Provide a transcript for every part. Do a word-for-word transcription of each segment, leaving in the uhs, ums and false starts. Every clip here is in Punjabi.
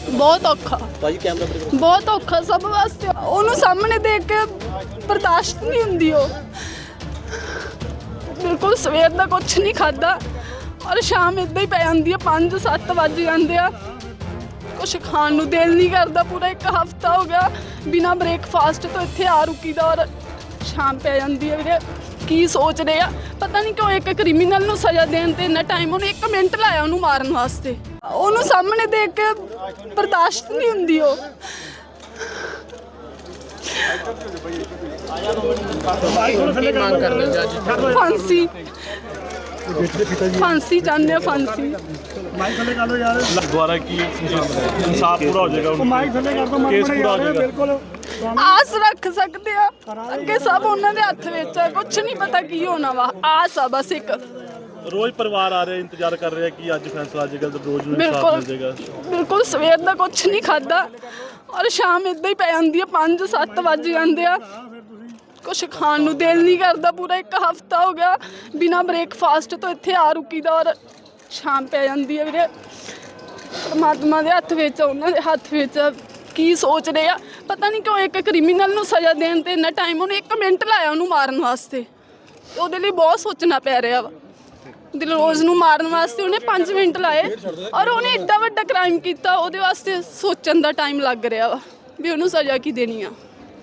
बहुत औखा ਭਾਜੀ ਕੈਮਰਾ ਪਰ बहुत औखा सब वास्ते ਉਹਨੂੰ ਸਾਹਮਣੇ ਦੇਖ ਕੇ ਬਰਦਾਸ਼ਤ ਨਹੀਂ ਹੁੰਦੀ ਉਹ ਬਿਲਕੁਲ ਸਵੇਰ ਦਾ ਕੁਝ ਨਹੀਂ ਖਾਦਾ ਔਰ ਸ਼ਾਮ ਇਦਾਂ ਹੀ ਪੈ ਜਾਂਦੀ ਆ ਪੰਜ ਸੱਤ ਵੱਜ ਜਾਂਦੇ ਆ ਕੁਛ ਖਾਣ ਨੂੰ ਦਿਲ ਨਹੀਂ ਕਰਦਾ ਪੂਰਾ ਇੱਕ ਹਫਤਾ ਹੋ ਗਿਆ ਬਿਨਾ ਬ੍ਰੇਕਫਾਸਟ ਤੋਂ ਇੱਥੇ ਆ ਰੁਕੀ ਦਾ ਔਰ ਸ਼ਾਮ ਪੈ ਜਾਂਦੀ ਹੈ ਵੀਰੇ ਕੀ ਸੋਚ ਰਹੇ ਆ ਪਤਾ ਨਹੀਂ ਕਿਉਂ ਇੱਕ ਕ੍ਰਿਮੀਨਲ ਨੂੰ ਸਜ਼ਾ ਦੇਣ ਤੇ ਇੰਨਾ ਟਾਈਮ ਉਹਨੇ ਇੱਕ ਮਿੰਟ ਲਾਇਆ ਉਹਨੂੰ ਮਾਰਨ ਵਾਸਤੇ ਉਹਨੂੰ ਸਾਹਮਣੇ ਦੇਖ ਕੇ ਬਰਦਾਸ਼ਤ ਨਹੀਂ ਹੁੰਦੀ ਉਹ ਫਾਂਸੀ ਫਾਂਸੀ ਚਾਹੁੰਦੇ ਆ ਫਾਂਸੀ ਦੁਆਰਾ ਕੀ ਇਨਸਾਫ ਪੂਰਾ ਹੋ ਜਾਏਗਾ ਕੇਸ ਪੂਰਾ ਹੋ ਜਾਏਗਾ ਆਸ ਰੱਖ ਸਕਦੇ ਆ ਅੱਗੇ ਸਭ ਉਹਨਾਂ ਦੇ ਹੱਥ ਵਿੱਚ ਆ ਕੁਝ ਨਹੀਂ ਪਤਾ ਕੀ ਹੋਣਾ ਵਾ ਆਸ ਆ ਬਸ ਇੱਕ ਰੋਜ਼ ਪਰਿਵਾਰ ਆ ਰਿਹਾ ਇੰਤਜ਼ਾਰ ਕਰ ਰਿਹਾ ਕਿ ਅੱਜ ਫੈਸਲਾ ਆ ਜਾਏਗਾ ਤੇ ਰੋਜ਼ ਨੂੰ ਇਨਸਾਫ ਮਿਲ ਜਾਏਗਾ ਬਿਲਕੁਲ ਸਵੇਰ ਦਾ ਕੁਝ ਨਹੀਂ ਖਾਦਾ ਔਰ ਸ਼ਾਮ ਇਦਾਂ ਹੀ ਪੈ ਜਾਂਦੀ ਆ ਪੰਜ ਸੱਤ ਵੱਜ ਜਾਂਦੇ ਆ ਕੁਛ ਖਾਣ ਨੂੰ ਦਿਲ ਨਹੀਂ ਕਰਦਾ ਪੂਰਾ ਇੱਕ ਹਫਤਾ ਹੋ ਗਿਆ ਬਿਨਾ ਬ੍ਰੇਕਫਾਸਟ ਤੋਂ ਇੱਥੇ ਆ ਰੁਕੀ ਦਾ ਔਰ ਸ਼ਾਮ ਪੈ ਜਾਂਦੀ ਹੈ ਵੀਰੇ ਪਰਮਾਤਮਾ ਦੇ ਹੱਥ ਵਿੱਚ ਉਹਨਾਂ ਦੇ ਹੱਥ ਵਿੱਚ ਕੀ ਸੋਚ ਰਹੇ ਆ ਪਤਾ ਨਹੀਂ ਕਿਉਂ ਇੱਕ ਕ੍ਰਿਮੀਨਲ ਨੂੰ ਸਜ਼ਾ ਦੇਣ ਤੇ ਇੰਨਾ ਟਾਈਮ ਉਹਨੇ ਇੱਕ ਮਿੰਟ ਲਾਇਆ ਉਹਨੂੰ ਮਾਰਨ ਵਾਸਤੇ ਉਹਦੇ ਲਈ ਬਹੁਤ ਸੋਚਣਾ ਪੈ ਰਿਹਾ ਵਾ ਦਿਲਰੋਜ਼ ਨੂੰ ਮਾਰਨ ਵਾਸਤੇ ਉਹਨੇ ਪੰਜ ਮਿੰਟ ਲਾਏ ਔਰ ਉਹਨੇ ਏਡਾ ਵੱਡਾ ਕ੍ਰਾਈਮ ਕੀਤਾ ਉਹਦੇ ਵਾਸਤੇ ਸੋਚਣ ਦਾ ਟਾਈਮ ਲੱਗ ਰਿਹਾ ਵਾ ਵੀ ਉਹਨੂੰ ਸਜ਼ਾ ਕੀ ਦੇਣੀ ਆ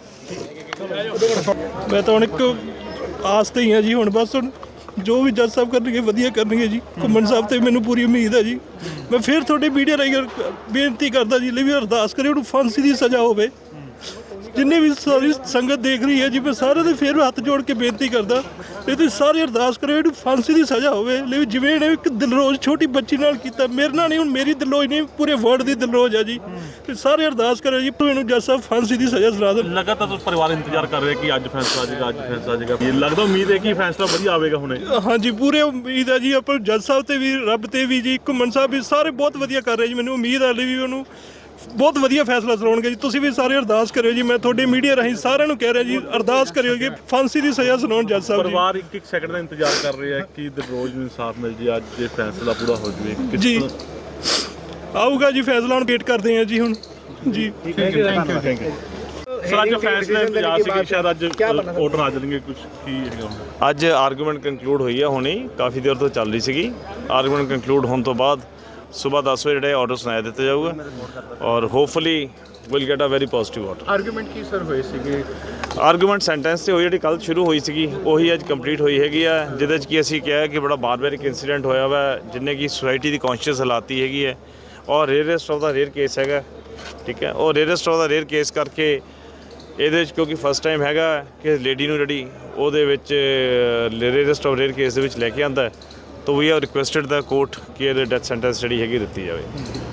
ਮੈਂ ਤਾਂ ਹੁਣ ਇੱਕ ਆਸ ਤੇ ਹੀ ਹਾਂ ਜੀ ਹੁਣ ਬਸ ਹੁਣ ਜੋ ਵੀ ਜੱਜ ਸਾਹਿਬ ਕਰਨਗੇ ਵਧੀਆ ਕਰਨਗੇ ਜੀ ਘੁੰਮਣ ਸਾਹਿਬ ਤੇ ਮੈਨੂੰ ਪੂਰੀ ਉਮੀਦ ਹੈ ਜੀ ਮੈਂ ਫਿਰ ਤੁਹਾਡੇ ਮੀਡੀਆ ਰਾਹੀਂ ਬੇਨਤੀ ਕਰਦਾ ਜੀ ਲਈ ਵੀ ਅਰਦਾਸ ਕਰੇ ਉਹਨੂੰ ਫਾਂਸੀ ਦੀ ਸਜ਼ਾ ਹੋਵੇ ਜਿੰਨੇ ਵੀ ਸਾਰੀ ਸੰਗਤ ਦੇਖ ਰਹੀ ਹੈ ਜੀ ਮੈਂ ਸਾਰਿਆਂ ਦੇ ਫਿਰ ਹੱਥ ਜੋੜ ਕੇ ਬੇਨਤੀ ਕਰਦਾ ਇਹ ਤੁਸੀਂ ਸਾਰੇ ਅਰਦਾਸ ਕਰਿਓ ਇਹਨੂੰ ਫਾਂਸੀ ਦੀ ਸਜ਼ਾ ਹੋਵੇ ਲਈ ਜਿਵੇਂ ਇਹਨੇ ਇੱਕ ਦਿਲਰੋਜ਼ ਛੋਟੀ ਬੱਚੀ ਨਾਲ ਕੀਤਾ ਮੇਰੇ ਨਾਲ ਨਹੀਂ ਹੁਣ ਮੇਰੀ ਦਿਲਰੋਜ਼ ਨਹੀਂ ਪੂਰੇ ਵਰਲਡ ਦੀ ਦਿਲਰੋਜ਼ ਹੈ ਜੀ ਤੇ ਸਾਰੇ ਅਰਦਾਸ ਕਰਿਓ ਜੀ ਇਹਨੂੰ ਜੱਜ ਸਾਹਿਬ ਫਾਂਸੀ ਦੀ ਸਜ਼ਾ ਸੁਣਾ ਦੇਣ ਲਗਾਤਾਰ ਪਰਿਵਾਰ ਇੰਤਜ਼ਾਰ ਕਰ ਰਿਹਾ ਕਿ ਅੱਜ ਫੈਸਲਾ ਆ ਜਾਏਗਾ ਅੱਜ ਫੈਸਲਾ ਆ ਜਾਏਗਾ ਇਹ ਲੱਗਦਾ ਉਮੀਦ ਹੈ ਕਿ ਫੈਸਲਾ ਵਧੀਆ ਆਵੇਗਾ ਹੁਣੇ ਹਾਂਜੀ ਪੂਰੇ ਉਮੀਦ ਹੈ ਜੀ ਆਪਾਂ ਜੱਜ ਸਾਹਿਬ ਤੇ ਵੀ ਰੱਬ ਤੇ ਵੀ ਜੀ ਘੁੰਮਣ ਸਾਹਿਬ ਵੀ ਸਾਰੇ ਬਹੁਤ ਵਧੀਆ ਕਰ ਰਹੇ ਜੀ ਮੈਨੂੰ ਉਮੀਦ ਹੈ ਵੀ ਉਹਨੂੰ ਬਹੁਤ ਵਧੀਆ ਫੈਸਲਾ ਸੁਣਾਉਣਗੇ ਜੀ ਤੁਸੀਂ ਵੀ ਸਾਰੇ ਅਰਦਾਸ ਕਰਿਓ ਜੀ ਮੈਂ ਤੁਹਾਡੇ ਮੀਡੀਆ ਰਾਹੀਂ ਸਾਰਿਆਂ ਨੂੰ ਕਹਿ ਰਿਹਾ ਜੀ ਅਰਦਾਸ ਕਰਿਓ ਕਿ ਫਾਂਸੀ ਦੀ ਸਜ਼ਾ ਸੁਣਾਉਣ ਜੱਜ ਸਾਹਿਬ ਜੀ ਪਰਿਵਾਰ ਇੱਕ ਇੱਕ ਸੈਕਿੰਡ ਦਾ ਇੰਤਜ਼ਾਰ ਕਰ ਰਿਹਾ ਕਿ ਰੋਜ਼ ਨੂੰ ਇਨਸਾਫ ਮਿਲ ਜੇ ਅੱਜ ਇਹ ਫੈਸਲਾ ਪੂਰਾ ਹੋ ਜਾਵੇ ਜੀ ਆਊਗਾ ਜੀ ਫੈਸਲਾ ਹੁਣ ਵੇਟ ਕਰਦੇ ਹਾਂ ਜੀ ਹੁਣ ਜੀ thank you thank you sir ਅੱਜ ਫੈਸਲਾ ਇੰਤਜ਼ਾਰ ਸੀ ਕਿ ਸ਼ਾਇਦ ਅੱਜ ਆਰਡਰ ਆ ਜਾਣਗੇ ਕੁਝ ਕੀ ਹੈਗਾ ਅੱਜ ਆਰਗੂਮੈਂਟ ਕੰਕਲੂਡ ਹੋਈ ਹੈ ਹੁਣੇ ਕਾਫੀ ਦੇਰ ਤੋਂ ਚੱਲ ਰਹੀ ਸੀਗੀ ਆਰਗੂਮੈਂਟ ਕੰਕਲੂਡ ਹੋਣ ਤੋਂ ਬਾਅਦ ਸੁਬਾਹ ਦਸ ਵਜੇ ਜਿਹੜੇ ਆਰਡਰ ਸੁਣਾਇਆ ਦਿੱਤਾ ਜਾਊਗਾ ਔਰ hopefully will get a very positive order argument ਕੀ ਸਰ ਹੋਏ ਸੀਗੇ ਆਰਗੂਮੈਂਟ ਸੈਂਟੈਂਸ ਤੇ ਹੋਈ ਜਿਹੜੀ ਕੱਲ੍ਹ ਸ਼ੁਰੂ ਹੋਈ ਸੀਗੀ ਉਹੀ ਅੱਜ ਕੰਪਲੀਟ ਹੋਈ ਹੈਗੀ ਆ ਜਿਹਦੇ 'ਚ ਕਿ ਅਸੀਂ ਕਿਹਾ ਕਿ ਬੜਾ ਬਾਰਬੈਰਿਕ ਇਨਸੀਡੈਂਟ ਹੋਇਆ ਵਾ ਜਿਹਨੇ ਕਿ ਸੁਸਾਇਟੀ ਦੀ ਕੌਂਸ਼ੀਅਸ ਹਾਲਾਤੀ ਹੈਗੀ ਹੈ ਔਰ ਰੇਅਰੈਸਟ ਆਫ ਦਾ ਰੇਅਰ ਕੇਸ ਹੈਗਾ ਠੀਕ ਹੈ ਔਰ ਰੇਅਰੈਸਟ ਆਫ ਦਾ ਰੇਅਰ ਕੇਸ ਕਰਕੇ ਇਹਦੇ ਵਿੱਚ ਕਿਉਂਕਿ ਫਸਟ ਟਾਈਮ ਹੈਗਾ ਕਿ ਲੇਡੀ ਨੂੰ ਜਿਹੜੀ ਉਹਦੇ ਵਿੱਚ ਰੇਅਰੈਸਟ ਆਫ ਰੇਅਰ ਕੇਸ ਦੇ ਵਿੱਚ ਲੈ ਕੇ ਆਉਂਦਾ ਤਾਂ we are requested the court ਕਿ ਇਹਦੇ ਡੈਥ ਸੈਂਟੈਂਸ ਜਿਹੜੀ ਹੈਗੀ ਦਿੱਤੀ ਜਾਵੇ